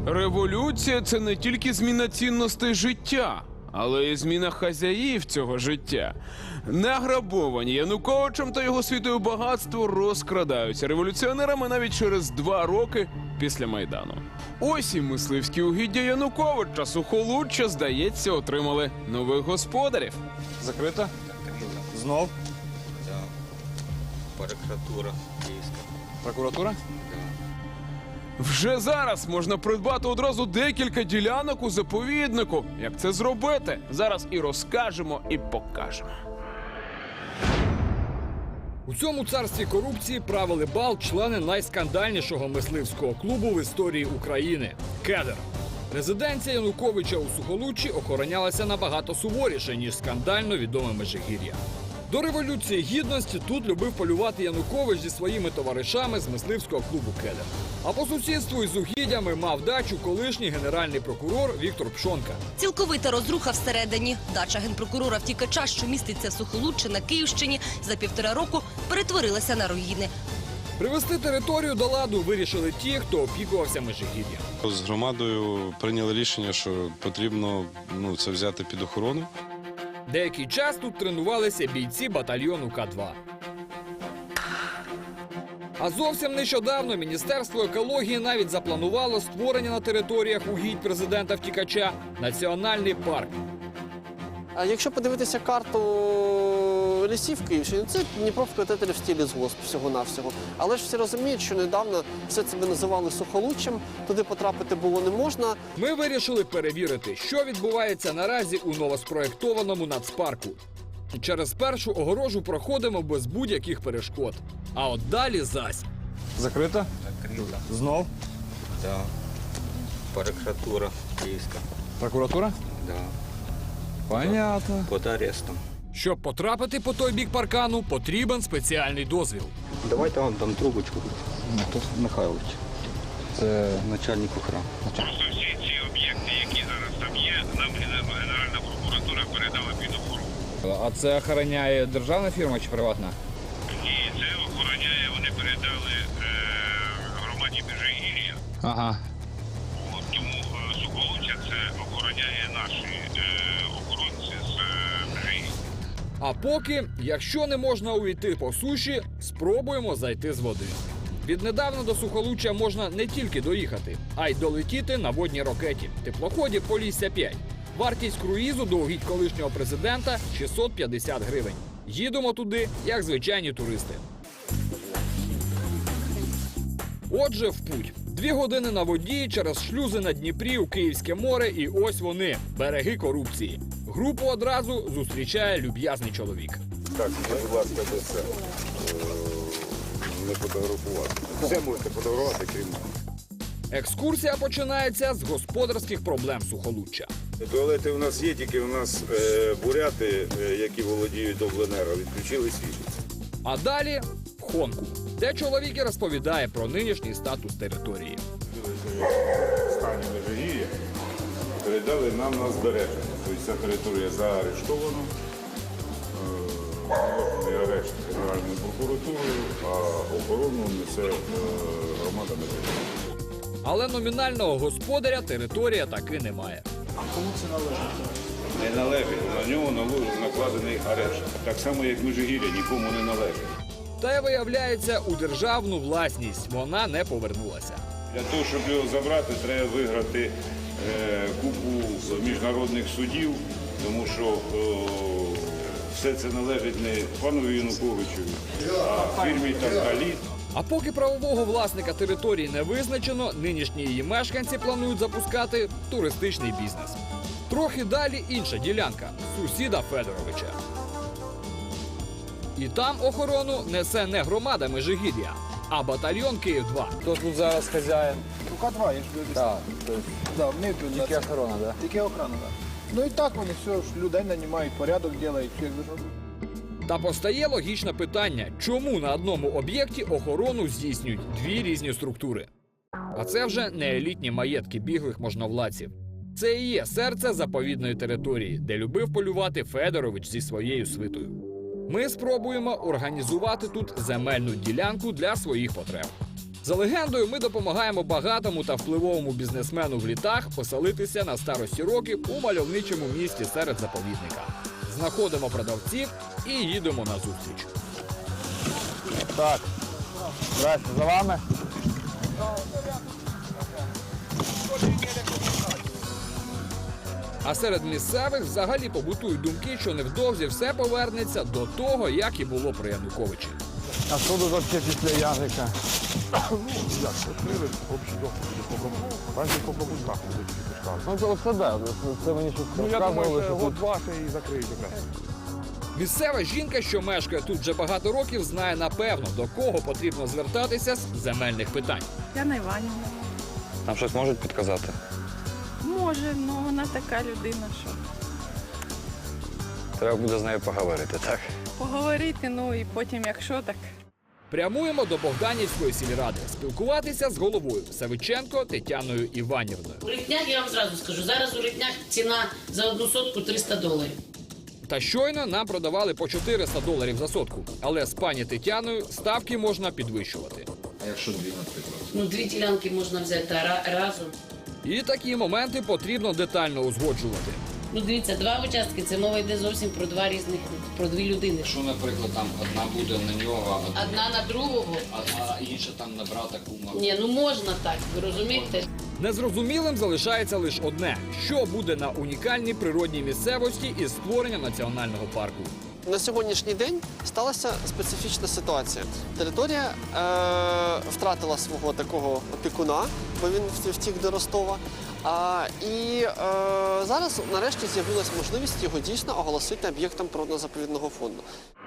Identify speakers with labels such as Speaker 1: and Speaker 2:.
Speaker 1: Революція – це не тільки зміна цінностей життя, але й зміна хазяїв цього життя. Награбовані Януковичем та його світою багатство розкрадаються революціонерами навіть через 2 роки після Майдану. Ось і мисливські угіддя Януковича, Сухолуччя, здається, отримали нових господарів.
Speaker 2: Закрита? Знов?
Speaker 3: Да. Прокуратура київська.
Speaker 2: Прокуратура?
Speaker 1: Вже зараз можна придбати одразу декілька ділянок у заповіднику. Як це зробити? Зараз і розкажемо, і покажемо.
Speaker 4: У цьому царстві корупції правили бал члени найскандальнішого мисливського клубу в історії України – «Кедр». Резиденція Януковича у Сухолуччі охоронялася набагато суворіше, ніж скандально відоме Межигір'я. До Революції Гідності тут любив полювати Янукович зі своїми товаришами з мисливського клубу «Кедр». А по сусідству із угіддями мав дачу колишній генеральний прокурор Віктор Пшонка.
Speaker 5: Цілковита розруха всередині. Дача генпрокурора-втікача, що міститься в Сухолуччі на Київщині, за 1,5 року перетворилася на руїни.
Speaker 4: Привести територію до ладу вирішили ті, хто опікувався Межигір'ям.
Speaker 6: З громадою прийняли рішення, що потрібно це взяти під охорону.
Speaker 4: Деякий час тут тренувалися бійці батальйону К-2. А зовсім нещодавно Міністерство екології навіть запланувало створення на територіях угідь президента-втікача національний парк.
Speaker 7: А якщо подивитися карту лісів Київщини, це Дніпро-Вкотитель в стилі згосп всього-навсього. Але ж всі розуміють, що недавно все це би називали Сухолуччям, туди потрапити було не можна.
Speaker 4: Ми вирішили перевірити, що відбувається наразі у новоспроєктованому нацпарку. Через першу огорожу проходимо без будь-яких перешкод. А от далі зась.
Speaker 2: Закрита?
Speaker 3: Закрита.
Speaker 2: Знов?
Speaker 3: Да. Прокуратура київська.
Speaker 2: Прокуратура?
Speaker 3: Да.
Speaker 2: Понятно.
Speaker 3: Під арестом.
Speaker 4: Щоб потрапити по той бік паркану, потрібен спеціальний дозвіл.
Speaker 3: Давайте вам там трубочку. Тут Михайлович.
Speaker 2: Це
Speaker 3: Начальник охорони.
Speaker 8: Просто всі ці об'єкти, які зараз там є, нам Генеральна прокуратура передала під охорону.
Speaker 2: А це охороняє державна фірма чи приватна?
Speaker 8: Ні, це охороняє, вони передали громаді Межигір'я.
Speaker 2: Ага.
Speaker 8: Тому Сухолуччя це охороняє наші охоронці з Межигір'я.
Speaker 4: А поки, якщо не можна увійти по суші, спробуємо зайти з води. Віднедавна до Сухолуччя можна не тільки доїхати, а й долетіти на водній ракеті – теплоході «Полісся-5». Вартість круїзу до угідь колишнього президента – 650 гривень. Їдемо туди, як звичайні туристи. Отже, в путь. 2 години на воді через шлюзи на Дніпрі у Київське море, і ось вони – береги корупції. Групу одразу зустрічає люб'язний чоловік.
Speaker 9: Так, будь ласка, до це не фотографувати. Все можете фотографувати, крім мене.
Speaker 4: Екскурсія починається з господарських проблем Сухолуччя.
Speaker 9: Туалети у нас є, тільки у нас буряти, які володіють обленерго, відключили світло.
Speaker 4: А далі – в Хонку, де чоловік і розповідає про нинішній статус території.
Speaker 9: В стані Межигір'я передали нам на збереження. Тобто ця територія заарештована. Наложений арешт Генеральною прокуратурою, а охорону несе громада Межигір'я.
Speaker 4: Але номінального господаря територія таки немає.
Speaker 9: Не належить, на нього накладений арешт. Так само, як Межигір'я нікому не належить.
Speaker 4: Та й виявляється, у державну власність вона не повернулася.
Speaker 9: Для того, щоб його забрати, треба виграти купу міжнародних судів, тому що все це належить не пану Януковичу, а фірмі «Таркаліт».
Speaker 4: А поки правового власника території не визначено, нинішні її мешканці планують запускати туристичний бізнес. Трохи далі інша ділянка – сусіда Федоровича. І там охорону несе не громада Межигір'я, а батальйон Київ-2.
Speaker 2: Хто тут зараз хазяїн?
Speaker 10: Ну, К2, я ж говорю.
Speaker 2: Так,
Speaker 10: Да, вони тут
Speaker 2: тільки охорона, так?
Speaker 10: Тільки охорона, так. Ну і так вони все ж людей нанімають, порядок роблять, все як должно бути.
Speaker 4: Та постає логічне питання, чому на одному об'єкті охорону здійснюють 2 різні структури? А це вже не елітні маєтки біглих можновладців. Це і є серце заповідної території, де любив полювати Федорович зі своєю свитою. Ми спробуємо організувати тут земельну ділянку для своїх потреб. За легендою, ми допомагаємо багатому та впливовому бізнесмену в літах поселитися на старості років у мальовничому місті серед заповідника. Знаходимо продавців і їдемо на зустріч.
Speaker 2: Так, здрасте, за вами.
Speaker 4: А серед місцевих взагалі побутують думки, що невдовзі все повернеться до того, як і було при Януковичі.
Speaker 2: А що тут взагалі після Язика? Ну, це да, це мені щось розказували, що тут...
Speaker 4: Місцева жінка, що мешкає тут вже багато років, знає напевно, до кого потрібно звертатися з земельних питань.
Speaker 11: Яна Іванівна.
Speaker 3: Нам щось можуть підказати?
Speaker 11: Може, але вона така людина, що
Speaker 3: Треба буде з нею поговорити, так?
Speaker 11: поговорити, ну і потім, якщо так.
Speaker 4: Прямуємо до Богданівської сільради спілкуватися з головою Савиченко Тетяною Іванівною.
Speaker 12: У Ритнях, я вам зразу скажу, зараз у Ритнях ціна за 1 сотку $300.
Speaker 4: Та щойно нам продавали по $400 за сотку. Але з пані Тетяною ставки можна підвищувати.
Speaker 2: А якщо дві, наприклад?
Speaker 12: Ну, 2 ділянки можна взяти разом.
Speaker 4: І такі моменти потрібно детально узгоджувати.
Speaker 12: Ну, дивіться, 2 участки, це мова йде зовсім про 2 різних, про 2 людини.
Speaker 2: Що, наприклад, там одна буде на нього,
Speaker 12: Одна на другого.
Speaker 2: а інша там на брата кума?
Speaker 12: Ні, ну можна так, ви розумієте?
Speaker 4: Незрозумілим залишається лише одне: що буде на унікальній природній місцевості із створення національного парку.
Speaker 7: На сьогоднішній день сталася специфічна ситуація. Територія втратила свого такого опікуна, бо він втік до Ростова. Зараз нарешті з'явилася можливість його дійсно оголосити об'єктом природно-заповідного фонду.